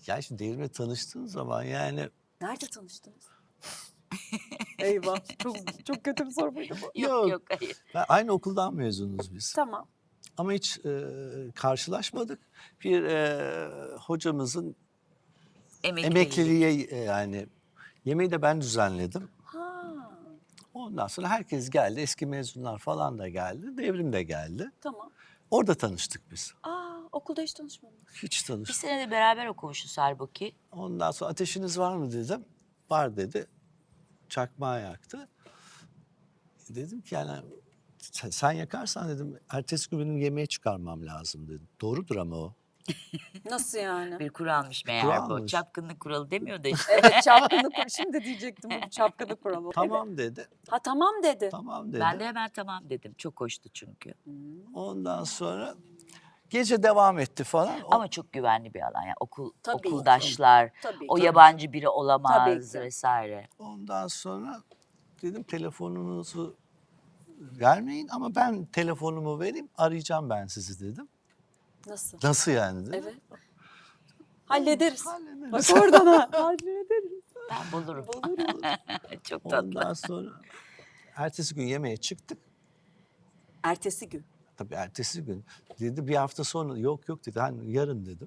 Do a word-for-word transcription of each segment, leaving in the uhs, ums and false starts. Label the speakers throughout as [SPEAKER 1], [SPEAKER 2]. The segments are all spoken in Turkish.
[SPEAKER 1] Ya şimdi Devrim'le tanıştığın zaman yani...
[SPEAKER 2] Nerede tanıştınız? Eyvah. Çok, çok kötü bir soru muydu bu?
[SPEAKER 3] Yok
[SPEAKER 1] Yok.
[SPEAKER 3] yok hayır.
[SPEAKER 1] Ben, aynı okuldan mezunuz biz.
[SPEAKER 2] Tamam.
[SPEAKER 1] Ama hiç e, karşılaşmadık. Bir e, hocamızın
[SPEAKER 3] Emekliliği.
[SPEAKER 1] emekliliğe e, yani yemeği de ben düzenledim.
[SPEAKER 2] Ha,
[SPEAKER 1] Ondan sonra herkes geldi. Eski mezunlar falan da geldi. Devrim de geldi.
[SPEAKER 2] tamam.
[SPEAKER 1] Orada tanıştık biz.
[SPEAKER 2] Aa, okulda hiç tanışmadınız.
[SPEAKER 1] Hiç
[SPEAKER 3] Bir
[SPEAKER 1] tanıştık.
[SPEAKER 3] sene de beraber okumuşuz halbuki.
[SPEAKER 1] Ondan sonra ateşiniz var mı dedim. Var dedi. Çakmağı yaktı. Dedim ki yani sen, sen yakarsan dedim ertesi gün benim yemeğe çıkarmam lazım dedim. Doğrudur ama o.
[SPEAKER 2] Nasıl yani?
[SPEAKER 3] Bir kuralmış meğer
[SPEAKER 1] Kural
[SPEAKER 3] bu.
[SPEAKER 1] mı?
[SPEAKER 3] Çapkınlık kuralı demiyor da işte.
[SPEAKER 2] Evet, çapkınlık kuralı. Şimdi diyecektim bu çapkınlık kuralı. Evet.
[SPEAKER 1] Tamam dedi.
[SPEAKER 2] Ha tamam dedi.
[SPEAKER 1] Tamam dedi.
[SPEAKER 3] Ben de hemen tamam dedim. Çok hoştu çünkü.
[SPEAKER 1] Ondan sonra gece devam etti falan. O-
[SPEAKER 3] Ama çok güvenli bir alan. Yani okul,
[SPEAKER 2] Tabii.
[SPEAKER 3] okuldaşlar,
[SPEAKER 2] Tabii.
[SPEAKER 3] o
[SPEAKER 2] tabii.
[SPEAKER 3] yabancı biri
[SPEAKER 2] Tabii
[SPEAKER 3] olamaz
[SPEAKER 2] ki.
[SPEAKER 3] vesaire.
[SPEAKER 1] Ondan sonra dedim telefonunuzu vermeyin ama ben telefonumu vereyim arayacağım ben sizi dedim.
[SPEAKER 2] Nasıl?
[SPEAKER 1] Nasıl yani dedim.
[SPEAKER 2] Evet. Hallederiz.
[SPEAKER 1] Hallederiz.
[SPEAKER 2] Bak oradan ha. Hallederiz.
[SPEAKER 3] Ben bulurum.
[SPEAKER 2] Buluruz.
[SPEAKER 3] Çok tatlı.
[SPEAKER 1] Ondan sonra ertesi gün yemeğe çıktık.
[SPEAKER 2] Ertesi gün.
[SPEAKER 1] Tabii ertesi gün dedi bir hafta sonra yok yok dedi hani yarın dedim.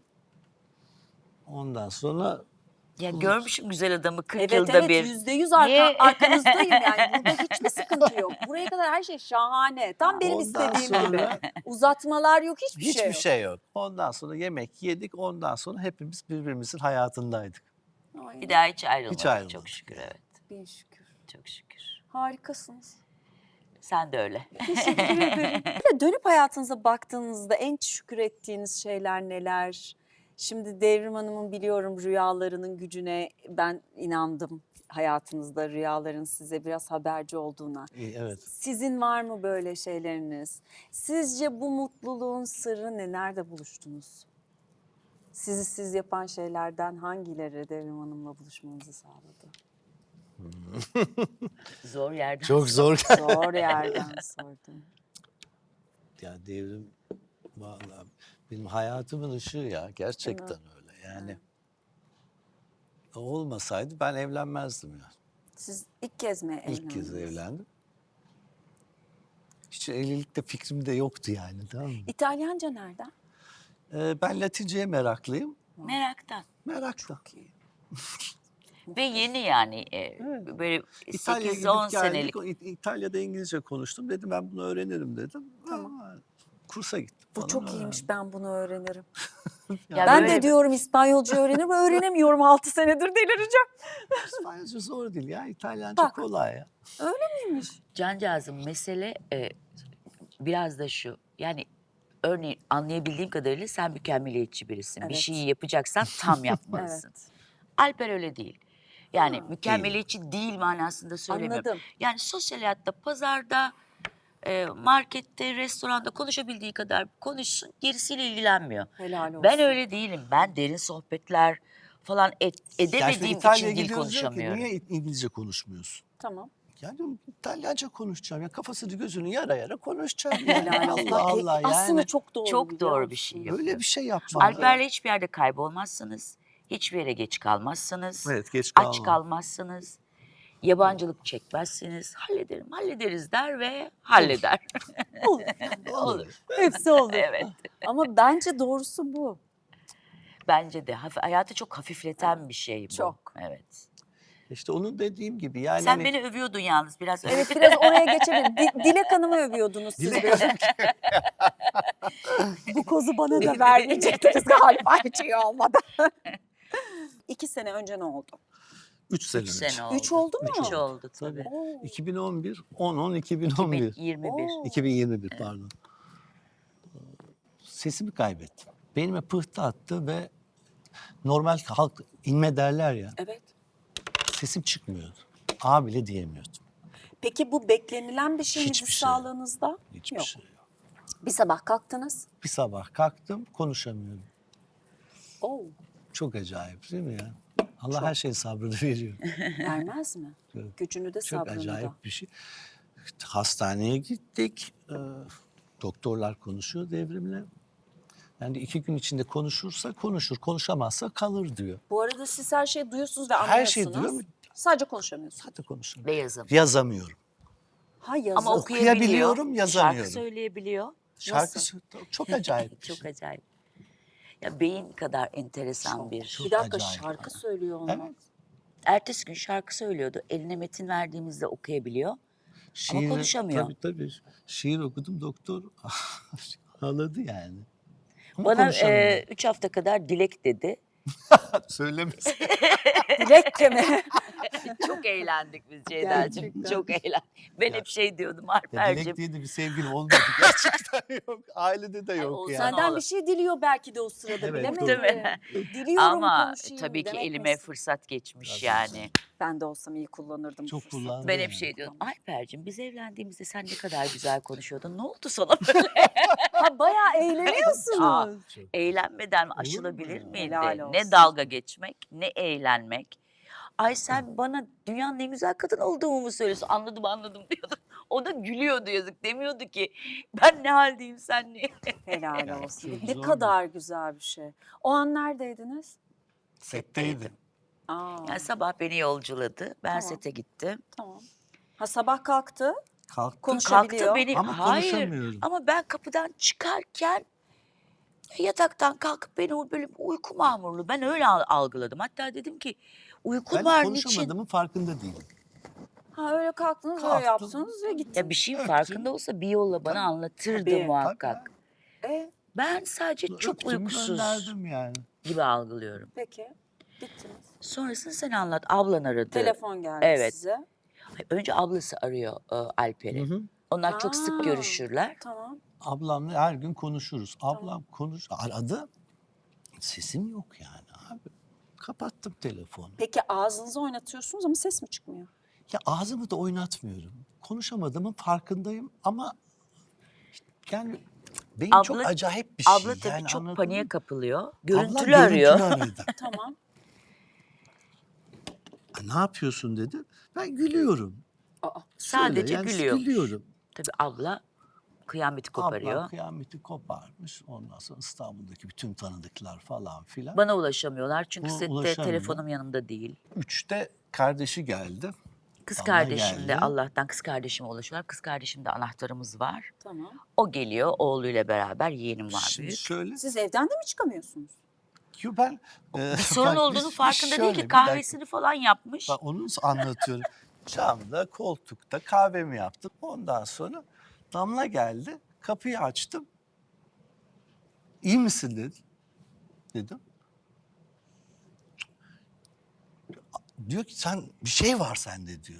[SPEAKER 1] Ondan sonra
[SPEAKER 3] Ya görmüşüm güzel adamı kırk
[SPEAKER 2] Evet
[SPEAKER 3] yılda
[SPEAKER 2] evet
[SPEAKER 3] bir.
[SPEAKER 2] yüzde yüz arka,
[SPEAKER 3] Niye?
[SPEAKER 2] arkanızdayım yani. Burada hiçbir sıkıntı yok. Buraya kadar her şey şahane. Tam benim
[SPEAKER 1] ondan
[SPEAKER 2] istediğim gibi.
[SPEAKER 1] sonra
[SPEAKER 2] Uzatmalar yok, hiçbir, şey
[SPEAKER 1] hiçbir
[SPEAKER 2] yok.
[SPEAKER 1] şey yok. Ondan sonra yemek yedik. Ondan sonra hepimiz birbirimizin hayatındaydık.
[SPEAKER 2] Ay,
[SPEAKER 3] Bir daha hiç ayrılmadık.
[SPEAKER 1] Hiç ayrılmadık.
[SPEAKER 3] Çok şükür evet.
[SPEAKER 2] bin şükür.
[SPEAKER 3] Çok şükür.
[SPEAKER 2] Harikasınız.
[SPEAKER 3] Sen de öyle.
[SPEAKER 2] Teşekkür ederim. Bir de dönüp hayatınıza baktığınızda en şükür ettiğiniz şeyler neler? Şimdi Devrim Hanım'ın biliyorum rüyalarının gücüne ben inandım. Hayatınızda rüyaların size biraz haberci olduğuna.
[SPEAKER 1] İyi, evet.
[SPEAKER 2] Sizin var mı böyle şeyleriniz? Sizce bu mutluluğun sırrı ne? Nerede buluştunuz? Sizi siz yapan şeylerden hangileri Devrim Hanım'la buluşmanızı sağladı?
[SPEAKER 3] Zor yerden.
[SPEAKER 1] Çok zor.
[SPEAKER 2] Zor yerden sordum.
[SPEAKER 1] Ya Devrim vallahi benim hayatımın ışığı ya. Gerçekten
[SPEAKER 2] Değil
[SPEAKER 1] öyle. Yani o olmasaydı ben evlenmezdim ya.
[SPEAKER 2] Siz ilk kez mi evlendiniz?
[SPEAKER 1] İlk kez evlendim. Hiç evlilikte fikrim de yoktu yani tamam mı?
[SPEAKER 2] İtalyanca nereden?
[SPEAKER 1] Ee, ben Latinceye meraklıyım.
[SPEAKER 3] Meraktan.
[SPEAKER 1] Merakla.
[SPEAKER 3] Ve yeni yani e,
[SPEAKER 1] Evet.
[SPEAKER 3] böyle
[SPEAKER 1] İtalya'ya
[SPEAKER 3] sekiz on
[SPEAKER 1] gidip geldik.
[SPEAKER 3] senelik.
[SPEAKER 1] O İ- İtalya'da İngilizce konuştum. Dedim ben bunu öğrenirim dedim.
[SPEAKER 2] Tamam.
[SPEAKER 1] Aa, kursa gittim
[SPEAKER 2] Bu
[SPEAKER 1] falan,
[SPEAKER 2] çok
[SPEAKER 1] öğrendim.
[SPEAKER 2] iyiymiş, ben bunu öğrenirim.
[SPEAKER 3] Ya
[SPEAKER 2] Ben
[SPEAKER 3] böyle
[SPEAKER 2] de diyorum İspanyolca öğrenirim, öğrenemiyorum altı senedir, delireceğim.
[SPEAKER 1] İspanyolca zor değil ya. İtalyanca
[SPEAKER 2] Bak.
[SPEAKER 1] kolay ya.
[SPEAKER 2] Neymiş?
[SPEAKER 3] Cancağızım mesele e, biraz da şu. Yani örneğin anlayabildiğim kadarıyla sen mükemmeliyetçi birisin. Bir
[SPEAKER 2] Evet.
[SPEAKER 3] şeyi yapacaksan tam yapmalısın.
[SPEAKER 2] Evet.
[SPEAKER 3] Alper öyle değil. Yani
[SPEAKER 2] Ha.
[SPEAKER 3] mükemmeliyetçi değil manasında söylemiyorum.
[SPEAKER 2] Anladım.
[SPEAKER 3] Yani sosyal hayatta, pazarda, e, markette, restoranda konuşabildiği kadar konuşsun, gerisiyle ilgilenmiyor.
[SPEAKER 2] Helal olsun.
[SPEAKER 3] Ben öyle değilim. Ben derin sohbetler falan et,
[SPEAKER 1] Ya şimdi
[SPEAKER 3] edemediğim
[SPEAKER 1] İtalya'ya
[SPEAKER 3] için dil
[SPEAKER 1] gidiyoruz diyor ki,
[SPEAKER 3] konuşamıyorum.
[SPEAKER 1] niye İngilizce konuşmuyorsun?
[SPEAKER 2] Tamam.
[SPEAKER 1] Ya diyorum İtalyanca konuşacağım. Ya kafasını gözünü yara yara konuşacağım.
[SPEAKER 2] Helal
[SPEAKER 1] Yani.
[SPEAKER 2] olsun.
[SPEAKER 1] Allah
[SPEAKER 2] Bak, e,
[SPEAKER 1] Allah yani.
[SPEAKER 2] Aslında çok doğru.
[SPEAKER 3] Çok
[SPEAKER 2] biliyor
[SPEAKER 3] doğru bir
[SPEAKER 2] musun?
[SPEAKER 3] şey yapıyor.
[SPEAKER 1] Böyle bir şey yapmam.
[SPEAKER 3] Alper'le hiçbir yerde kaybolmazsınız. Hiçbir yere geç kalmazsınız.
[SPEAKER 1] Evet geç
[SPEAKER 3] Aç
[SPEAKER 1] kalmam.
[SPEAKER 3] kalmazsınız. Yabancılık çekmezsiniz. Hallederim, hallederiz der ve halleder.
[SPEAKER 2] Olur.
[SPEAKER 3] Olur.
[SPEAKER 2] Hepsi olur.
[SPEAKER 3] Evet.
[SPEAKER 2] Ama bence doğrusu bu.
[SPEAKER 3] Bence de hafif, hayatı çok hafifleten bir şey bu.
[SPEAKER 2] Çok.
[SPEAKER 3] Evet.
[SPEAKER 1] İşte onun dediğim gibi yani.
[SPEAKER 3] Sen
[SPEAKER 1] hani-
[SPEAKER 3] beni övüyordun yalnız biraz.
[SPEAKER 2] Evet, biraz oraya geçelim. Di- Dilek Hanım'ı övüyordunuz siz
[SPEAKER 1] Dilek
[SPEAKER 2] biraz. Bu kozu bana da vermeyecektiniz galiba hiç iyi olmadı. İki sene önce ne oldu?
[SPEAKER 1] Üç sene
[SPEAKER 3] Üç
[SPEAKER 1] önce.
[SPEAKER 3] sene oldu.
[SPEAKER 2] Üç oldu mu?
[SPEAKER 3] Üç oldu tabii.
[SPEAKER 1] Tabii.
[SPEAKER 2] Oo.
[SPEAKER 1] iki bin on bir, on on iki bin on bir.
[SPEAKER 3] yirmi bir.
[SPEAKER 2] Oo.
[SPEAKER 1] iki bin yirmi bir pardon. Sesimi kaybettim. Beynime pıhtı attı ve normal halk inme derler ya.
[SPEAKER 2] Evet.
[SPEAKER 1] Sesim çıkmıyordu. A bile diyemiyordum.
[SPEAKER 2] Peki bu beklenilen bir şey miydi
[SPEAKER 1] Hiçbir şey.
[SPEAKER 2] sağlığınızda?
[SPEAKER 1] Hiçbir
[SPEAKER 2] Yok.
[SPEAKER 1] şey yok.
[SPEAKER 2] Bir sabah kalktınız.
[SPEAKER 1] Bir sabah kalktım konuşamıyorum.
[SPEAKER 2] Oo,
[SPEAKER 1] Çok acayip değil mi ya? Allah
[SPEAKER 2] Çok.
[SPEAKER 1] her şeyin sabrını veriyor.
[SPEAKER 2] vermez mi?
[SPEAKER 1] Çok-
[SPEAKER 2] Gücünü de
[SPEAKER 1] Çok
[SPEAKER 2] sabrını da.
[SPEAKER 1] acayip bir şey. İşte hastaneye gittik. Ee, doktorlar konuşuyor Devrim'le. Yani iki gün içinde konuşursa konuşur, konuşamazsa kalır diyor.
[SPEAKER 2] Bu arada siz her şeyi duyuyorsunuz ve
[SPEAKER 1] Her
[SPEAKER 2] anlıyorsunuz.
[SPEAKER 1] şeyi duyuyor mu?
[SPEAKER 2] Sadece konuşamıyorsunuz.
[SPEAKER 1] Zaten konuşurum.
[SPEAKER 3] Ve yazım.
[SPEAKER 1] Yazamıyorum.
[SPEAKER 2] Ha yazı.
[SPEAKER 3] Ama
[SPEAKER 1] okuyabiliyorum,
[SPEAKER 3] okuyabiliyor.
[SPEAKER 1] yazamıyorum.
[SPEAKER 3] Şarkı söyleyebiliyor.
[SPEAKER 1] Şarkı sö- çok acayip. bir
[SPEAKER 3] Çok
[SPEAKER 1] şey.
[SPEAKER 3] acayip. Ya beyin kadar enteresan bir.
[SPEAKER 1] çok
[SPEAKER 2] bir dakika
[SPEAKER 1] acayip.
[SPEAKER 2] şarkı söylüyor olmak.
[SPEAKER 1] Evet.
[SPEAKER 3] Ertesi gün şarkı söylüyordu. Eline metin verdiğimizde okuyabiliyor.
[SPEAKER 1] Şiir,
[SPEAKER 3] konuşamıyor.
[SPEAKER 1] Tabii tabii. Şiir okudum, doktor ağladı yani. Ama
[SPEAKER 3] Bana
[SPEAKER 1] konuşamıyor.
[SPEAKER 3] e, üç hafta kadar dilek dedi.
[SPEAKER 1] Söylemesin.
[SPEAKER 2] Dilekçe mi?
[SPEAKER 3] Çok eğlendik biz Ceyda'cığım.
[SPEAKER 2] Gerçekten.
[SPEAKER 3] Çok eğlendik. Ben hep şey diyordum
[SPEAKER 1] Ya Dilek
[SPEAKER 3] Alper'cim.
[SPEAKER 1] diye de bir sevgilim olmadı. Gerçekten yok. Ailede de yok
[SPEAKER 3] olsa
[SPEAKER 1] yani.
[SPEAKER 3] ne
[SPEAKER 2] Senden
[SPEAKER 3] olur.
[SPEAKER 2] bir şey diliyor belki de o sırada,
[SPEAKER 1] Evet,
[SPEAKER 2] bilemedim.
[SPEAKER 3] Değil mi?
[SPEAKER 2] Diliyorum
[SPEAKER 3] Ama
[SPEAKER 2] konuşayım
[SPEAKER 3] tabii ki
[SPEAKER 2] demek
[SPEAKER 3] elime
[SPEAKER 2] misin?
[SPEAKER 3] fırsat geçmiş
[SPEAKER 1] Tabii.
[SPEAKER 3] yani.
[SPEAKER 2] Ben de olsam iyi kullanırdım. bu
[SPEAKER 1] Çok
[SPEAKER 2] fırsatı.
[SPEAKER 1] kullandım.
[SPEAKER 3] Ben hep
[SPEAKER 1] yani.
[SPEAKER 3] şey diyordum. Alper'cim biz evlendiğimizde sen ne kadar güzel konuşuyordun. Ne oldu sana böyle?
[SPEAKER 2] Ha bayağı eğleniyorsunuz.
[SPEAKER 1] Çok.
[SPEAKER 3] Eğlenmeden
[SPEAKER 1] mu
[SPEAKER 3] aşılabilir
[SPEAKER 1] ya?
[SPEAKER 3] miydi?
[SPEAKER 2] Helal olsun.
[SPEAKER 3] Ne dalga geçmek, ne eğlenmek. Ay sen bana dünyanın en güzel kadın olduğumu mu söylüyorsun? Anladım anladım diyordu. O da gülüyordu yazık. Demiyordu ki ben ne haldeyim sen ne?
[SPEAKER 2] Helal
[SPEAKER 1] Ya,
[SPEAKER 2] olsun.
[SPEAKER 1] çok
[SPEAKER 2] Ne
[SPEAKER 1] zor
[SPEAKER 2] kadar güzel bir şey. O an neredeydiniz?
[SPEAKER 1] Setteydim.
[SPEAKER 2] Aa,
[SPEAKER 3] Yani sabah beni yolculadı. Ben
[SPEAKER 2] Tamam.
[SPEAKER 3] sete gittim.
[SPEAKER 2] tamam. Ha sabah kalktı.
[SPEAKER 1] Kalktım.
[SPEAKER 2] Konuşabiliyor.
[SPEAKER 3] Kalktı beni.
[SPEAKER 1] Ama
[SPEAKER 3] Hayır.
[SPEAKER 1] konuşamıyorum.
[SPEAKER 3] Ama ben kapıdan çıkarken yataktan kalkıp beni o böyle bir uyku mamurlu. Ben öyle al- algıladım. Hatta dedim ki uyku
[SPEAKER 1] Ben
[SPEAKER 3] var niçin?
[SPEAKER 1] konuşamadığımın farkında değilim.
[SPEAKER 2] Ha öyle kalktınız, öyle
[SPEAKER 1] Kalktım.
[SPEAKER 2] yaptınız ve gittiniz.
[SPEAKER 3] Ya bir şeyin
[SPEAKER 1] Öptüm.
[SPEAKER 3] farkında olsa bir yolla bana
[SPEAKER 1] Tabii.
[SPEAKER 3] anlatırdı
[SPEAKER 2] Tabii.
[SPEAKER 3] muhakkak.
[SPEAKER 2] E,
[SPEAKER 3] Ben sadece çok
[SPEAKER 1] Öptüm,
[SPEAKER 3] uykusuz
[SPEAKER 1] gönderdim yani.
[SPEAKER 3] gibi algılıyorum.
[SPEAKER 2] peki. Gittiniz.
[SPEAKER 3] Sonrasını sen anlat. Ablan aradı.
[SPEAKER 2] Telefon geldi
[SPEAKER 3] Evet.
[SPEAKER 2] size.
[SPEAKER 3] Önce ablası arıyor e, Alper'i.
[SPEAKER 1] Hı hı.
[SPEAKER 3] Onlar çok sık
[SPEAKER 2] Aa.
[SPEAKER 3] görüşürler.
[SPEAKER 2] Tamam.
[SPEAKER 1] Ablamla her gün konuşuruz. Ablam konuş aradı. Sesim yok yani abi. Kapattım telefonu.
[SPEAKER 2] Peki ağzınızı oynatıyorsunuz ama ses mi çıkmıyor?
[SPEAKER 1] Ya ağzımı da oynatmıyorum. Konuşamadığımın farkındayım ama yani beyin
[SPEAKER 3] Abla-
[SPEAKER 1] çok acayip bir şey.
[SPEAKER 3] Abla tabii
[SPEAKER 1] yani
[SPEAKER 3] çok
[SPEAKER 1] anladın
[SPEAKER 3] paniğe
[SPEAKER 1] mı?
[SPEAKER 3] kapılıyor.
[SPEAKER 1] Ablam
[SPEAKER 3] Görüntülü arıyor.
[SPEAKER 1] görüntülü aradı.
[SPEAKER 2] Tamam.
[SPEAKER 1] Ne yapıyorsun dedi. Ben gülüyorum.
[SPEAKER 2] Aa,
[SPEAKER 3] Sadece
[SPEAKER 1] Söyle, yani
[SPEAKER 3] gülüyor.
[SPEAKER 1] Gülüyorum.
[SPEAKER 3] Tabii abla kıyameti koparıyor.
[SPEAKER 1] Ablam kıyameti koparmış. Ondan sonra İstanbul'daki bütün tanıdıklar falan filan.
[SPEAKER 3] Bana ulaşamıyorlar çünkü
[SPEAKER 1] Buna
[SPEAKER 3] sette
[SPEAKER 1] ulaşamıyor.
[SPEAKER 3] telefonum yanımda değil.
[SPEAKER 1] Üçte kardeşi geldi.
[SPEAKER 3] Kız
[SPEAKER 1] Damla
[SPEAKER 3] kardeşim de
[SPEAKER 1] geldi.
[SPEAKER 3] Allah'tan kız kardeşime ulaşıyorlar. Kız kardeşimde anahtarımız var.
[SPEAKER 2] tamam.
[SPEAKER 3] O geliyor oğluyla beraber, yeğenim var
[SPEAKER 1] Şimdi
[SPEAKER 3] büyük.
[SPEAKER 1] şöyle.
[SPEAKER 2] Siz evden de mi çıkamıyorsunuz?
[SPEAKER 1] Yo ben e,
[SPEAKER 3] Bir sorun
[SPEAKER 1] bak,
[SPEAKER 3] olduğunu
[SPEAKER 1] biz-
[SPEAKER 3] farkında
[SPEAKER 1] şöyle,
[SPEAKER 3] değil
[SPEAKER 1] bir
[SPEAKER 3] ki
[SPEAKER 1] dakika.
[SPEAKER 3] kahvesini falan yapmış.
[SPEAKER 1] Bak onu anlatıyorum. Camda, koltukta kahvemi yaptım. Ondan sonra Damla geldi. Kapıyı açtım. İyi misin dedi. Dedim. Diyor ki sen bir şey var sende diyor.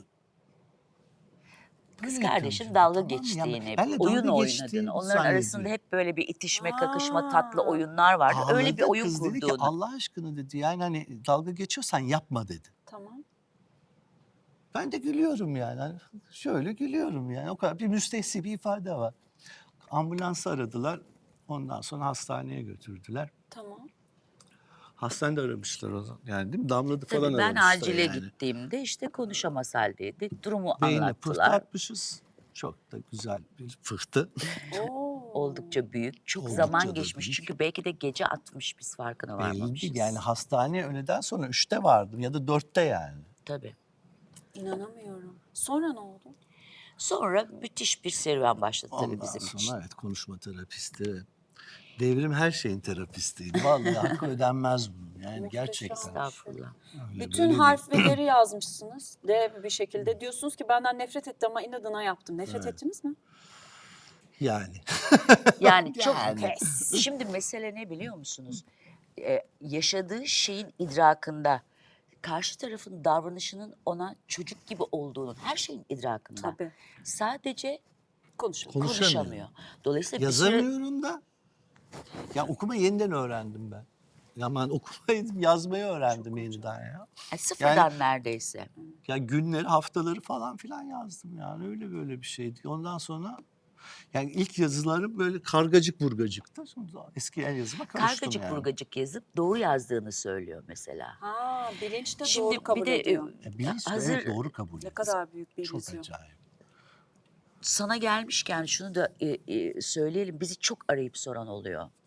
[SPEAKER 3] Kız
[SPEAKER 1] Böyle
[SPEAKER 3] kardeşim
[SPEAKER 1] yapıyorum
[SPEAKER 3] dalga
[SPEAKER 1] canım, tamam mı?
[SPEAKER 3] geçtiğini,
[SPEAKER 1] Yani benle
[SPEAKER 3] oyun
[SPEAKER 1] dalga geçtiğini
[SPEAKER 3] oynadığını, onların arasında
[SPEAKER 1] zannediyor.
[SPEAKER 3] hep böyle bir itişme, kakışma, tatlı
[SPEAKER 2] Aa.
[SPEAKER 3] oyunlar vardı. Öyle bir
[SPEAKER 1] Ağladı,
[SPEAKER 3] oyun
[SPEAKER 1] kız dedi ki
[SPEAKER 3] kurduğunu.
[SPEAKER 1] Allah aşkına dedi yani hani dalga geçiyorsan yapma dedi.
[SPEAKER 2] Tamam.
[SPEAKER 1] Ben de gülüyorum yani. Hani şöyle gülüyorum yani. O kadar bir müstehsi bir ifade var. Ambulansı aradılar. Ondan sonra hastaneye götürdüler.
[SPEAKER 2] Tamam.
[SPEAKER 1] Hastanede aramışlar onu. Yani değil mi? Damladı falan
[SPEAKER 3] Tabii ben
[SPEAKER 1] aramışlar
[SPEAKER 3] acile
[SPEAKER 1] yani.
[SPEAKER 3] gittiğimde işte konuşamaz haldeydi. Durumu
[SPEAKER 1] Beynine pıhtı
[SPEAKER 3] anlattılar.
[SPEAKER 1] atmışız. Çok da güzel bir pıhtı.
[SPEAKER 2] Oo.
[SPEAKER 3] Oldukça büyük. Çok
[SPEAKER 1] Oldukça
[SPEAKER 3] zaman
[SPEAKER 1] da
[SPEAKER 3] geçmiş.
[SPEAKER 1] büyük.
[SPEAKER 3] Çünkü belki de gece atmış biz farkına
[SPEAKER 1] Belli
[SPEAKER 3] varmamışız.
[SPEAKER 1] değil. Yani hastaneye öğleden sonra üçte vardım ya da dörtte yani.
[SPEAKER 3] Tabii.
[SPEAKER 2] İnanamıyorum. Sonra ne oldu?
[SPEAKER 3] Sonra müthiş bir serüven başladı tabii
[SPEAKER 1] Ondan
[SPEAKER 3] bizim
[SPEAKER 1] sonra
[SPEAKER 3] için.
[SPEAKER 1] evet konuşma terapisti. Devrim her şeyin terapistiydi. Vallahi hakkı ödenmez bunun. Yani
[SPEAKER 2] Muhteşem.
[SPEAKER 1] gerçekten.
[SPEAKER 3] Estağfurullah.
[SPEAKER 1] Öyle
[SPEAKER 2] Bütün
[SPEAKER 1] böyle
[SPEAKER 2] harfleri yazmışsınız. D bir şekilde. Diyorsunuz ki benden nefret etti ama inadına yaptım. Nefret
[SPEAKER 1] Evet.
[SPEAKER 2] ettiniz mi?
[SPEAKER 1] değil. Yani.
[SPEAKER 3] Yani çok
[SPEAKER 1] Yani.
[SPEAKER 3] pes. Şimdi mesele ne biliyor musunuz? Ee, yaşadığı şeyin idrakında, karşı tarafın davranışının ona çocuk gibi olduğunun, her şeyin idrakında.
[SPEAKER 2] Tabii.
[SPEAKER 3] Sadece
[SPEAKER 2] Konuşalım.
[SPEAKER 1] Konuşamıyor.
[SPEAKER 3] konuşamıyor. Dolayısıyla bir süre
[SPEAKER 1] Yazamıyorum da. Ya okuma yeniden öğrendim ben. Aman okumayı yazmayı öğrendim yeniden ya.
[SPEAKER 3] yani sıfırdan neredeyse.
[SPEAKER 1] Ya günleri, haftaları falan filan yazdım yani öyle böyle bir şeydi. Ondan sonra yani ilk yazılarım böyle kargacık burgacıktı. Sonra eski el yazıma karıştım
[SPEAKER 3] Kargacık
[SPEAKER 1] yani.
[SPEAKER 3] burgacık yazıp doğru yazdığını söylüyor mesela.
[SPEAKER 2] Ha, bilinç de
[SPEAKER 3] Şimdi
[SPEAKER 2] doğru kabul
[SPEAKER 3] bir de
[SPEAKER 2] ediyor.
[SPEAKER 1] Ya bilinç de
[SPEAKER 3] hazır
[SPEAKER 1] evet, doğru kabul
[SPEAKER 2] Ne
[SPEAKER 1] ediyor.
[SPEAKER 2] kadar büyük bir
[SPEAKER 1] Çok
[SPEAKER 2] illüzyon.
[SPEAKER 1] acayip.
[SPEAKER 3] sana gelmişken şunu da e, e, söyleyelim. Bizi çok arayıp soran oluyor.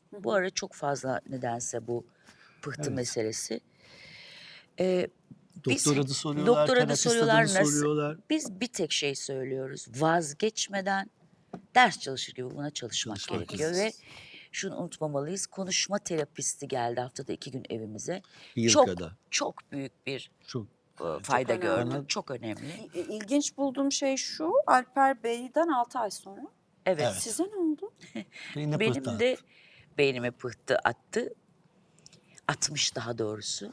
[SPEAKER 3] Bu ara çok fazla nedense bu pıhtı
[SPEAKER 1] Evet.
[SPEAKER 3] meselesi. Ee, biz-
[SPEAKER 1] Doktora da soruyorlar,
[SPEAKER 3] doktora da
[SPEAKER 1] terapiste de
[SPEAKER 3] soruyorlar
[SPEAKER 1] mi
[SPEAKER 3] nasıl?
[SPEAKER 1] soruyorlar?
[SPEAKER 3] Biz bir tek şey söylüyoruz. Vazgeçmeden ders çalışır gibi buna çalışmak,
[SPEAKER 1] Çalışmak
[SPEAKER 3] gerekiyor
[SPEAKER 1] lazım.
[SPEAKER 3] ve şunu unutmamalıyız. Konuşma terapisti geldi haftada iki gün evimize.
[SPEAKER 1] Bir yıl
[SPEAKER 3] çok
[SPEAKER 1] kadar.
[SPEAKER 3] çok büyük bir
[SPEAKER 1] Çok
[SPEAKER 3] e, fayda
[SPEAKER 2] önemli.
[SPEAKER 3] gördüm.
[SPEAKER 1] Bana-
[SPEAKER 3] Çok önemli.
[SPEAKER 2] İ- İlginç bulduğum şey şu, Alper Bey'den altı ay sonra.
[SPEAKER 3] Evet.
[SPEAKER 1] Evet.
[SPEAKER 2] Size ne oldu?
[SPEAKER 1] beyine
[SPEAKER 3] Benim
[SPEAKER 1] pıhtı
[SPEAKER 3] de
[SPEAKER 1] attı.
[SPEAKER 3] beynime pıhtı attı. Atmış daha doğrusu.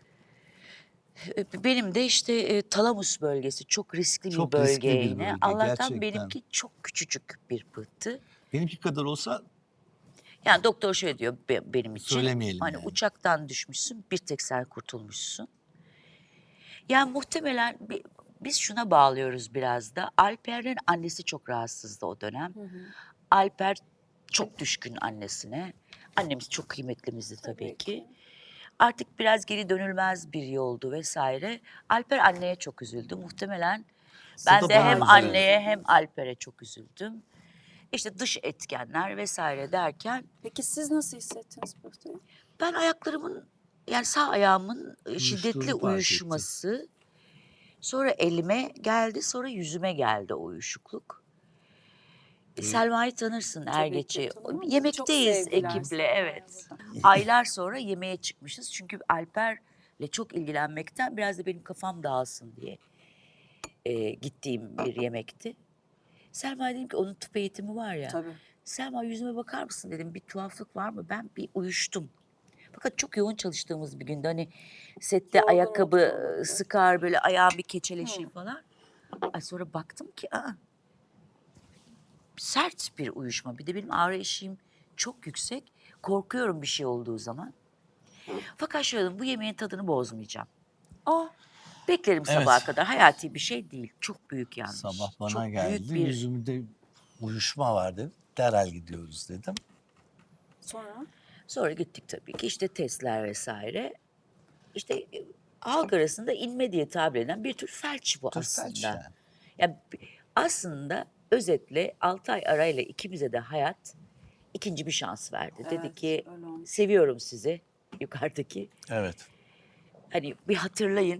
[SPEAKER 3] E, Benim de işte e, talamus bölgesi çok riskli bir
[SPEAKER 1] Çok
[SPEAKER 3] bölge
[SPEAKER 1] riskli bir
[SPEAKER 3] yine.
[SPEAKER 1] bölge,
[SPEAKER 3] Allah'tan
[SPEAKER 1] gerçekten.
[SPEAKER 3] benimki çok küçücük bir pıhtı.
[SPEAKER 1] Benimki kadar olsa
[SPEAKER 3] Yani doktor şöyle diyor be- benim için.
[SPEAKER 1] Söylemeyelim
[SPEAKER 3] Hani
[SPEAKER 1] yani.
[SPEAKER 3] uçaktan düşmüşsün, bir tek sen kurtulmuşsun. Yani muhtemelen bi- biz şuna bağlıyoruz biraz da. Alper'in annesi çok rahatsızdı o dönem. Alper çok düşkün annesine. Annemiz çok kıymetlimizdi tabii,
[SPEAKER 2] Tabii
[SPEAKER 3] ki.
[SPEAKER 2] ki.
[SPEAKER 3] Artık biraz geri dönülmez bir yoldu vesaire. Alper anneye çok üzüldü. Muhtemelen ben
[SPEAKER 1] da
[SPEAKER 3] de
[SPEAKER 1] bana
[SPEAKER 3] hem
[SPEAKER 1] üzüldü.
[SPEAKER 3] anneye hem Alper'e çok üzüldüm. İşte dış etkenler vesaire derken
[SPEAKER 2] Peki siz nasıl hissettiniz pıhtıyı?
[SPEAKER 3] ben ayaklarımın yani sağ ayağımın e, şiddetli
[SPEAKER 1] Uyuştuğunu fark
[SPEAKER 3] uyuşması, sonra elime geldi, sonra yüzüme geldi o uyuşukluk. E, Selma'yı tanırsın
[SPEAKER 2] Tabii ki
[SPEAKER 3] Ergeç'i.
[SPEAKER 2] tanımam. Çok
[SPEAKER 3] Yemekteyiz
[SPEAKER 2] sevgiler
[SPEAKER 3] ekiple,
[SPEAKER 2] Selma'ya
[SPEAKER 3] evet.
[SPEAKER 2] buradan.
[SPEAKER 3] Aylar sonra yemeğe çıkmışız. Çünkü Alper'le çok ilgilenmekten biraz da benim kafam dağılsın diye e, gittiğim bir yemekti. Selma dedim ki onun tıp eğitimi var ya.
[SPEAKER 2] Tabii.
[SPEAKER 3] Selma yüzüme bakar mısın dedim, bir tuhaflık var mı? Ben bir uyuştum. Fakat çok yoğun çalıştığımız bir gündü. Hani sette
[SPEAKER 2] Yorgunluk
[SPEAKER 3] ayakkabı
[SPEAKER 2] da olabilir.
[SPEAKER 3] sıkar, böyle ayağım bir keçeleşir falan. Ay sonra baktım ki aa, sert bir uyuşma. Bir de benim ağrı eşiğim çok yüksek. Korkuyorum bir şey olduğu zaman. Fakat şöyle dedim, bu yemeğin tadını bozmayacağım.
[SPEAKER 2] Ah,
[SPEAKER 3] Beklerim
[SPEAKER 1] Evet.
[SPEAKER 3] sabaha kadar. Hayati bir şey değil. Çok büyük yanlış.
[SPEAKER 1] sabah bana
[SPEAKER 3] çok
[SPEAKER 1] geldi.
[SPEAKER 3] büyük bir
[SPEAKER 1] Yüzümde uyuşma var dedim. Derhal gidiyoruz dedim.
[SPEAKER 2] sonra?
[SPEAKER 3] Sonra gittik tabii ki işte testler vesaire. İşte e, halk arasında inme diye tabir edilen bir tür felç bu
[SPEAKER 1] Tür
[SPEAKER 3] aslında.
[SPEAKER 1] felç yani.
[SPEAKER 3] Yani b- aslında özetle altı ay arayla ikimize de hayat ikinci bir şans verdi. Dedi
[SPEAKER 2] Evet,
[SPEAKER 3] ki
[SPEAKER 2] öyle olmuş.
[SPEAKER 3] seviyorum sizi yukarıdaki.
[SPEAKER 1] Evet.
[SPEAKER 3] Hani bir hatırlayın.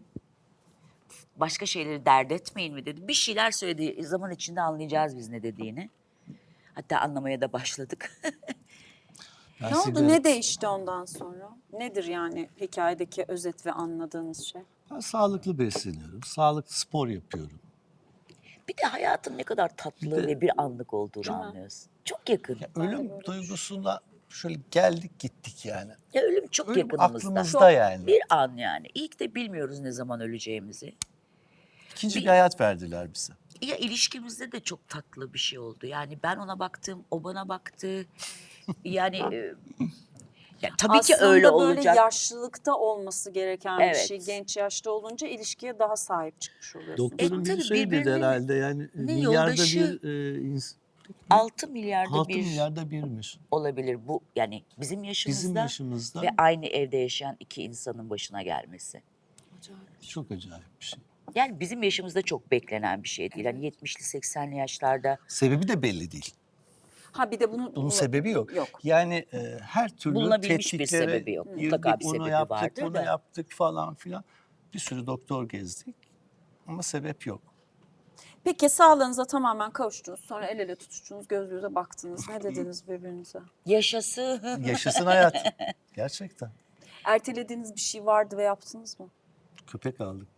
[SPEAKER 3] Başka şeyleri dert etmeyin mi dedi. Bir şeyler söyledi. Zaman içinde anlayacağız biz ne dediğini. Hatta anlamaya da başladık.
[SPEAKER 1] Ben
[SPEAKER 2] Ne oldu?
[SPEAKER 1] sigara-
[SPEAKER 2] Ne değişti ondan sonra? Nedir yani hikayedeki özet ve anladığınız şey?
[SPEAKER 1] Ben sağlıklı besleniyorum. Sağlıklı spor yapıyorum.
[SPEAKER 3] Bir de hayatın ne kadar tatlı
[SPEAKER 1] Bir de-
[SPEAKER 3] ve bir anlık olduğunu
[SPEAKER 2] Değil mi?
[SPEAKER 3] anlıyorsun. Çok yakın.
[SPEAKER 1] Ya
[SPEAKER 2] Ben de
[SPEAKER 1] ölüm
[SPEAKER 2] böyle
[SPEAKER 1] duygusuna şöyle geldik gittik yani.
[SPEAKER 3] Ya ölüm çok
[SPEAKER 1] Ölüm
[SPEAKER 3] yakınımızda.
[SPEAKER 1] aklımızda
[SPEAKER 3] Çok
[SPEAKER 1] yani.
[SPEAKER 3] Bir an yani. İlk de bilmiyoruz ne zaman öleceğimizi.
[SPEAKER 1] İkinci
[SPEAKER 3] Bir-
[SPEAKER 1] bir hayat verdiler bize.
[SPEAKER 3] Ya ilişkimizde de çok tatlı bir şey oldu. Yani ben ona baktım, o bana baktı. Yani e, ya tabii ki
[SPEAKER 2] Aslında
[SPEAKER 3] öyle
[SPEAKER 2] böyle
[SPEAKER 3] olacak.
[SPEAKER 2] yaşlılıkta olması gereken bir
[SPEAKER 3] Evet.
[SPEAKER 2] şey. Genç yaşta olunca ilişkiye daha sahip çıkmış oluyorsunuz.
[SPEAKER 1] Doktorun
[SPEAKER 3] E,
[SPEAKER 1] bir
[SPEAKER 3] tabii
[SPEAKER 1] şey dedi
[SPEAKER 3] birbirinin
[SPEAKER 1] herhalde yani
[SPEAKER 3] ne
[SPEAKER 1] milyarda
[SPEAKER 3] yoldaşı-
[SPEAKER 1] bir e, ins-
[SPEAKER 3] altı milyarda
[SPEAKER 1] altı
[SPEAKER 3] bir
[SPEAKER 1] milyarda birmiş.
[SPEAKER 3] olabilir bu. Yani bizim yaşımızda,
[SPEAKER 1] Bizim yaşımızda
[SPEAKER 3] ve aynı evde yaşayan iki insanın başına gelmesi.
[SPEAKER 2] Acayip.
[SPEAKER 1] çok acayip bir şey.
[SPEAKER 3] Yani bizim yaşımızda çok beklenen bir şey değil. Hani yetmişli seksenli yaşlarda
[SPEAKER 1] Sebebi de belli değil.
[SPEAKER 2] Ha bir de bunu,
[SPEAKER 1] Bunun sebebi yok.
[SPEAKER 2] Yok.
[SPEAKER 1] Yani e, her türlü
[SPEAKER 3] Bulunabilmiş bir
[SPEAKER 1] tetkiklere
[SPEAKER 3] sebebi yok.
[SPEAKER 1] girdik,
[SPEAKER 3] Mutlaka bir
[SPEAKER 1] onu
[SPEAKER 3] sebebi
[SPEAKER 1] yaptık,
[SPEAKER 3] vardır
[SPEAKER 1] bunu
[SPEAKER 3] da.
[SPEAKER 1] yaptık falan filan. Bir sürü doktor gezdik ama sebep yok.
[SPEAKER 2] Peki sağlığınıza tamamen kavuştunuz. Sonra el ele tutuştunuz, göz göze baktınız. Ne dediniz birbirinize?
[SPEAKER 3] yaşası.
[SPEAKER 1] Yaşasın hayat. Gerçekten.
[SPEAKER 2] Ertelediğiniz bir şey vardı ve yaptınız mı?
[SPEAKER 1] Köpek aldık.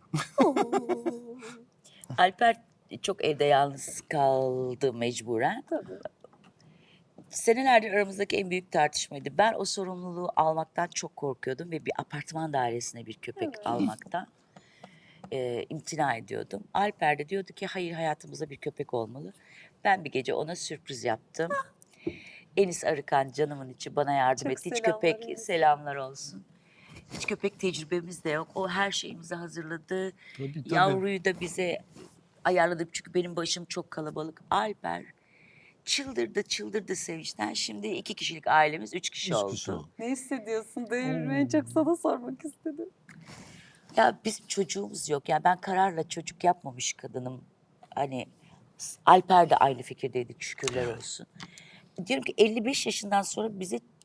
[SPEAKER 3] Alper çok evde yalnız kaldı mecburen.
[SPEAKER 2] Tabii.
[SPEAKER 3] Senelerdir aramızdaki en büyük tartışmaydı. Ben o sorumluluğu almaktan çok korkuyordum ve bir apartman dairesine bir köpek almaktan e, imtina ediyordum. Alper de diyordu ki hayır, hayatımızda bir köpek olmalı. Ben bir gece ona sürpriz yaptım. Enis Arıkan canımın içi bana yardım
[SPEAKER 2] Çok
[SPEAKER 3] etti. Hiç
[SPEAKER 2] selamlar
[SPEAKER 3] köpek
[SPEAKER 2] Enis.
[SPEAKER 3] selamlar olsun. Hiç köpek tecrübemiz de yok. O her şeyimizi hazırladı.
[SPEAKER 1] Tabii, tabii.
[SPEAKER 3] Yavruyu da bize ayarladı. Çünkü benim başım çok kalabalık. Alper çıldırdı çıldırdı sevinçten. Şimdi iki kişilik ailemiz üç kişi
[SPEAKER 1] Üç
[SPEAKER 3] oldu.
[SPEAKER 1] kişi oldu.
[SPEAKER 2] Ne hissediyorsun? Devrim en çok sana sormak istedim.
[SPEAKER 3] Ya bizim çocuğumuz yok. Yani ben kararla çocuk yapmamış kadınım. Hani Alper de aynı fikirdeydik, şükürler olsun. Diyorum ki elli beş yaşından sonra bize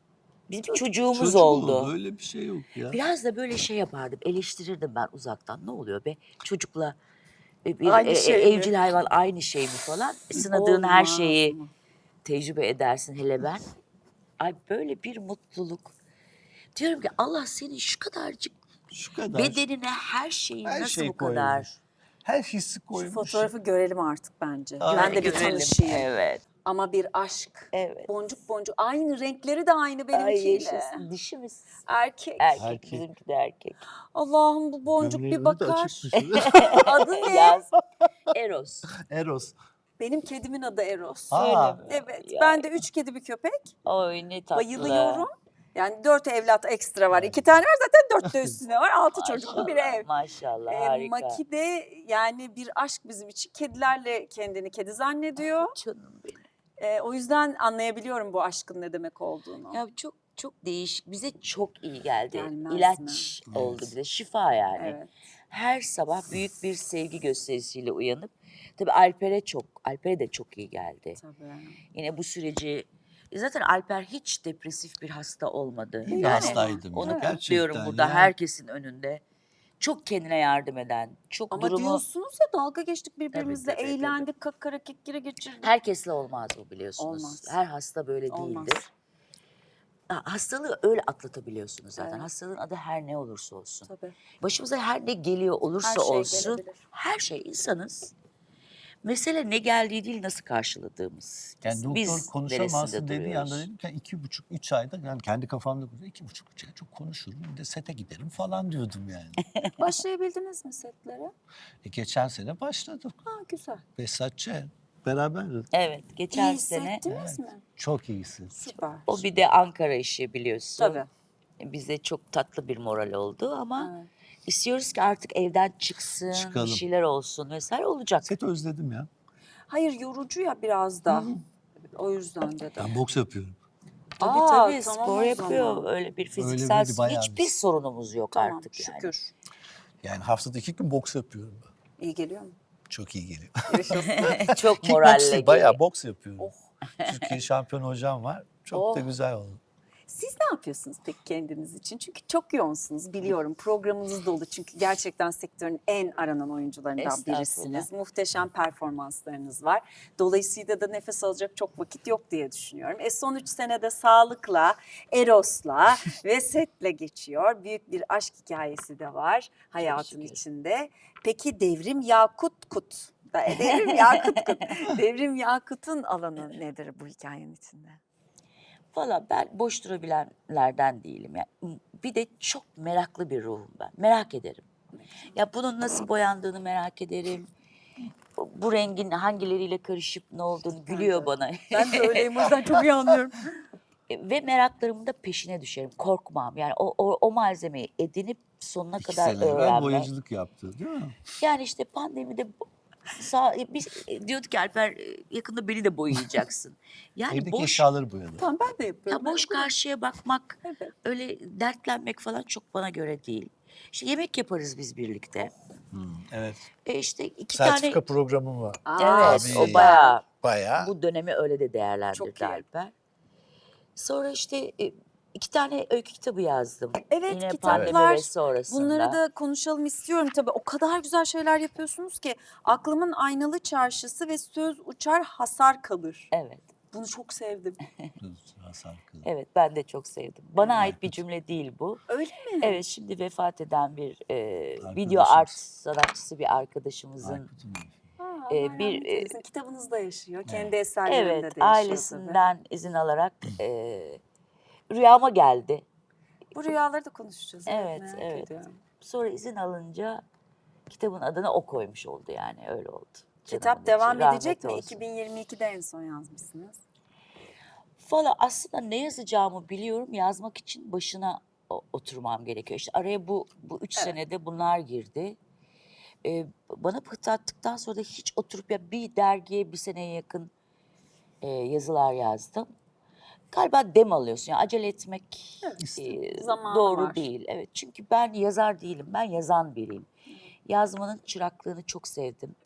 [SPEAKER 3] Bizim bir çocuğumuz
[SPEAKER 1] Çocuk
[SPEAKER 3] oldu.
[SPEAKER 1] Öyle bir şey yok ya.
[SPEAKER 3] Biraz da böyle şey yapardım, eleştirirdim ben uzaktan. Ne oluyor be? Çocukla e, bir
[SPEAKER 2] Aynı
[SPEAKER 3] e,
[SPEAKER 2] şey mi?
[SPEAKER 3] evcil hayvan aynı şey mi falan. Sınadığın her
[SPEAKER 2] Olmaz
[SPEAKER 3] şeyi
[SPEAKER 2] mı?
[SPEAKER 3] tecrübe edersin hele ben. Ay böyle bir mutluluk. Diyorum ki Allah senin şu kadarcık
[SPEAKER 1] Şu kadar.
[SPEAKER 3] bedenine her şeyi
[SPEAKER 1] her
[SPEAKER 3] nasıl
[SPEAKER 1] şey
[SPEAKER 3] bu kadar?
[SPEAKER 1] koymuş. Her hissi
[SPEAKER 2] Şu
[SPEAKER 1] koymuş.
[SPEAKER 2] fotoğrafı görelim artık bence.
[SPEAKER 1] Ay,
[SPEAKER 2] Ben de bir
[SPEAKER 3] Görelim.
[SPEAKER 2] tanışayım.
[SPEAKER 3] Evet.
[SPEAKER 2] Ama bir aşk.
[SPEAKER 3] Evet.
[SPEAKER 2] Boncuk boncuk. Aynı renkleri de aynı
[SPEAKER 3] Ay
[SPEAKER 2] benimkiyle.
[SPEAKER 3] yaşasın. Dişi mi?
[SPEAKER 2] Erkek.
[SPEAKER 3] Erkek.
[SPEAKER 1] Erkek.
[SPEAKER 3] Bizimki de erkek.
[SPEAKER 2] Allah'ım bu boncuk
[SPEAKER 1] Gömleğin
[SPEAKER 2] bir
[SPEAKER 1] önü de
[SPEAKER 2] bakar.
[SPEAKER 1] açıkmış.
[SPEAKER 2] Adı ne?
[SPEAKER 3] Yaz. Eros.
[SPEAKER 1] Eros.
[SPEAKER 2] Benim kedimin adı Eros.
[SPEAKER 1] Aa.
[SPEAKER 3] Öyle mi?
[SPEAKER 2] Evet.
[SPEAKER 3] Ya.
[SPEAKER 2] Ben de üç kedi bir köpek.
[SPEAKER 3] Oy ne tatlı.
[SPEAKER 2] Bayılıyorum. Yani dört evlat ekstra var. İki tane var zaten dört de üstüne var. Altı çocuklu bir
[SPEAKER 3] Maşallah,
[SPEAKER 2] ev.
[SPEAKER 3] Maşallah
[SPEAKER 2] Ee,
[SPEAKER 3] harika.
[SPEAKER 2] Maki de yani bir aşk bizim için. Kedilerle kendini kedi zannediyor.
[SPEAKER 3] Canım benim.
[SPEAKER 2] Ee, o yüzden anlayabiliyorum bu aşkın ne demek olduğunu.
[SPEAKER 3] Ya çok çok değişik. Bize çok iyi geldi.
[SPEAKER 2] Gelmez
[SPEAKER 3] İlaç
[SPEAKER 1] mi?
[SPEAKER 3] oldu
[SPEAKER 1] Evet.
[SPEAKER 3] bize. Şifa yani.
[SPEAKER 2] Evet.
[SPEAKER 3] Her sabah büyük bir sevgi gösterisiyle uyanıp tabii Alper'e çok, Alper'e de çok iyi geldi.
[SPEAKER 2] Tabii.
[SPEAKER 3] Yine bu süreci e zaten Alper hiç depresif bir hasta olmadı.
[SPEAKER 1] İyi bir
[SPEAKER 3] Yani
[SPEAKER 1] hastaydım
[SPEAKER 3] onu
[SPEAKER 1] ya,
[SPEAKER 3] kutluyorum
[SPEAKER 1] gerçekten
[SPEAKER 3] burada
[SPEAKER 1] ya.
[SPEAKER 3] herkesin önünde. Çok kendine yardım eden, çok
[SPEAKER 2] Ama
[SPEAKER 3] durumu
[SPEAKER 2] diyorsunuz ya dalga geçtik birbirimizle,
[SPEAKER 3] Tabii, tabii, tabii.
[SPEAKER 2] eğlendik, kakara kekire geçirdik.
[SPEAKER 3] herkesle olmaz bu biliyorsunuz.
[SPEAKER 2] Olmaz.
[SPEAKER 3] Her hasta böyle
[SPEAKER 2] Olmaz.
[SPEAKER 3] değildir. Ha, hastalığı öyle atlatabiliyorsunuz zaten.
[SPEAKER 2] Evet.
[SPEAKER 3] Hastalığın adı her ne olursa olsun.
[SPEAKER 2] Tabii.
[SPEAKER 3] Başımıza her ne geliyor olursa
[SPEAKER 2] Her şey
[SPEAKER 3] olsun,
[SPEAKER 2] gelebilir.
[SPEAKER 3] her şey insanız. Mesele ne geldiği değil nasıl karşıladığımız.
[SPEAKER 1] Yani doktor
[SPEAKER 3] Biz
[SPEAKER 1] konuşamazsın
[SPEAKER 3] neresinde
[SPEAKER 1] dediği
[SPEAKER 3] duruyoruz?
[SPEAKER 1] anda dedim ki iki buçuk, üç ayda yani kendi kafamda kurdu. iki buçuk, üç ay çok konuşurum. Bir de sete giderim falan diyordum yani.
[SPEAKER 2] Başlayabildiniz mi setlere?
[SPEAKER 1] e, geçen sene başladım.
[SPEAKER 2] Ha güzel.
[SPEAKER 1] Behzatçı beraberdik.
[SPEAKER 3] Evet, geçen
[SPEAKER 2] İyi
[SPEAKER 3] sene
[SPEAKER 2] hissettiniz mi?
[SPEAKER 1] Çok iyisin.
[SPEAKER 2] Süper.
[SPEAKER 3] o bir de Ankara işi biliyorsun.
[SPEAKER 2] Tabii.
[SPEAKER 3] Bize çok tatlı bir moral oldu ama
[SPEAKER 2] Evet.
[SPEAKER 3] istiyoruz ki artık evden çıksın,
[SPEAKER 1] Çıkalım.
[SPEAKER 3] bir şeyler olsun vesaire olacak.
[SPEAKER 1] Seti özledim ya.
[SPEAKER 2] Hayır yorucu ya biraz da. O yüzden dedim.
[SPEAKER 1] Ben boks yapıyorum.
[SPEAKER 3] Tabii
[SPEAKER 2] Aa,
[SPEAKER 3] tabii
[SPEAKER 2] tamam
[SPEAKER 3] spor
[SPEAKER 2] o
[SPEAKER 3] yapıyor.
[SPEAKER 2] zaman.
[SPEAKER 3] Öyle bir
[SPEAKER 1] Öyle
[SPEAKER 3] fiziksel
[SPEAKER 1] bir bayağı
[SPEAKER 3] hiçbir
[SPEAKER 1] bir-
[SPEAKER 3] sorunumuz yok
[SPEAKER 2] Tamam
[SPEAKER 3] artık yani.
[SPEAKER 2] şükür.
[SPEAKER 1] Yani haftada iki gün boks yapıyorum ben.
[SPEAKER 2] İyi geliyor mu?
[SPEAKER 1] Çok iyi geliyor.
[SPEAKER 3] Çok moralle
[SPEAKER 1] Kickboxing,
[SPEAKER 3] geliyor.
[SPEAKER 1] bayağı boks yapıyorum.
[SPEAKER 2] Oh.
[SPEAKER 1] Türkiye şampiyon hocam var. Çok da
[SPEAKER 2] Oh.
[SPEAKER 1] güzel oldu.
[SPEAKER 2] Siz ne yapıyorsunuz peki kendiniz için? Çünkü çok yoğunsunuz biliyorum. Programınız dolu çünkü gerçekten sektörün en aranan oyuncularından
[SPEAKER 3] Estağfurullah.
[SPEAKER 2] birisiniz. Muhteşem performanslarınız var. Dolayısıyla da nefes alacak çok vakit yok diye düşünüyorum. E son üç senede sağlıkla, Eros'la ve setle geçiyor. Büyük bir aşk hikayesi de var hayatın
[SPEAKER 3] şükür.
[SPEAKER 2] içinde. Peki Devrim Yakut Kut. Da- Devrim Yakut Kut. Devrim Yakut'un alanı nedir bu hikayenin içinde?
[SPEAKER 3] Valla ben boş durabilenlerden değilim. Yani bir de çok meraklı bir ruhum ben. Merak ederim. Ya bunun nasıl boyandığını merak ederim. Bu, bu rengin hangileriyle karışıp ne olduğunu gülüyor bana.
[SPEAKER 2] Ben de öyleyim o yüzden çok iyi anlıyorum.
[SPEAKER 3] Ve meraklarımın da peşine düşerim. Korkmam. Yani o, o, o malzemeyi edinip sonuna
[SPEAKER 1] İki
[SPEAKER 3] kadar
[SPEAKER 1] sene evvel
[SPEAKER 3] öğrenmek.
[SPEAKER 1] boyacılık yaptı değil mi?
[SPEAKER 3] Yani işte pandemide bu- sağ, biz e, diyorduk ki Alper e, yakında beni de boyayacaksın. Yani
[SPEAKER 1] Evdeki
[SPEAKER 3] boş
[SPEAKER 1] eşyaları boyadı.
[SPEAKER 2] Tamam ben de yapıyorum.
[SPEAKER 3] ya boş
[SPEAKER 2] Ben-
[SPEAKER 3] karşıya bakmak,
[SPEAKER 2] Evet.
[SPEAKER 3] öyle dertlenmek falan çok bana göre değil. İşte yemek yaparız biz birlikte.
[SPEAKER 1] Hmm, evet.
[SPEAKER 3] E işte iki
[SPEAKER 1] Sertifika
[SPEAKER 3] tane
[SPEAKER 1] programım var.
[SPEAKER 2] Aa,
[SPEAKER 3] evet
[SPEAKER 1] Tabii.
[SPEAKER 3] o bayağı
[SPEAKER 1] Bayağı.
[SPEAKER 3] bu dönemi öyle de
[SPEAKER 2] Çok
[SPEAKER 3] değerlendirdi
[SPEAKER 2] iyi.
[SPEAKER 3] Alper. Sonra işte e, iki tane öykü kitabı yazdım.
[SPEAKER 2] Evet,
[SPEAKER 3] Yine
[SPEAKER 2] kitaplar.
[SPEAKER 3] pandemi ve sonrasında.
[SPEAKER 2] Bunları da konuşalım istiyorum tabii. O kadar güzel şeyler yapıyorsunuz ki. Aklımın aynalı çarşısı ve söz uçar hasar kalır.
[SPEAKER 3] Evet.
[SPEAKER 2] Bunu çok sevdim.
[SPEAKER 1] Hasan Kılıç.
[SPEAKER 3] Evet ben de çok sevdim. Bana ait bir cümle değil bu.
[SPEAKER 2] Öyle mi?
[SPEAKER 3] Evet şimdi vefat eden bir e, video
[SPEAKER 1] Arkadaşımız.
[SPEAKER 3] art sanatçısı bir arkadaşımızın
[SPEAKER 1] Aykut'un evi.
[SPEAKER 2] Ha,
[SPEAKER 3] e,
[SPEAKER 2] Allah
[SPEAKER 3] bir,
[SPEAKER 2] rahmet
[SPEAKER 3] e,
[SPEAKER 2] eylesin. Kitabınızda yaşıyor. Kendi eserlerinde
[SPEAKER 3] evet
[SPEAKER 2] de yaşıyor
[SPEAKER 3] ailesinden izin alarak e, rüyama geldi.
[SPEAKER 2] tabii. Bu rüyaları da konuşacağız.
[SPEAKER 3] Evet,
[SPEAKER 2] merak
[SPEAKER 3] evet.
[SPEAKER 2] ediyorum.
[SPEAKER 3] Sonra izin alınca kitabın adını o koymuş oldu yani öyle oldu.
[SPEAKER 2] Kitap
[SPEAKER 3] Canımın içi,
[SPEAKER 2] devam
[SPEAKER 3] rahmet
[SPEAKER 2] edecek mi?
[SPEAKER 3] olsun.
[SPEAKER 2] iki bin yirmi ikide en son yazmışsınız.
[SPEAKER 3] Valla aslında ne yazacağımı biliyorum. Yazmak için başına o- oturmam gerekiyor. İşte araya bu bu üç
[SPEAKER 2] Evet.
[SPEAKER 3] senede bunlar girdi. Ee, bana pıhtı attıktan sonra da hiç oturup ya bir dergiye bir seneye yakın e, yazılar yazdım. Galiba dem alıyorsun. Yani acele etmek e,
[SPEAKER 2] zamanı
[SPEAKER 3] doğru
[SPEAKER 2] var.
[SPEAKER 3] değil. Evet çünkü ben yazar değilim. Ben yazan biriyim. Yazmanın çıraklığını çok sevdim.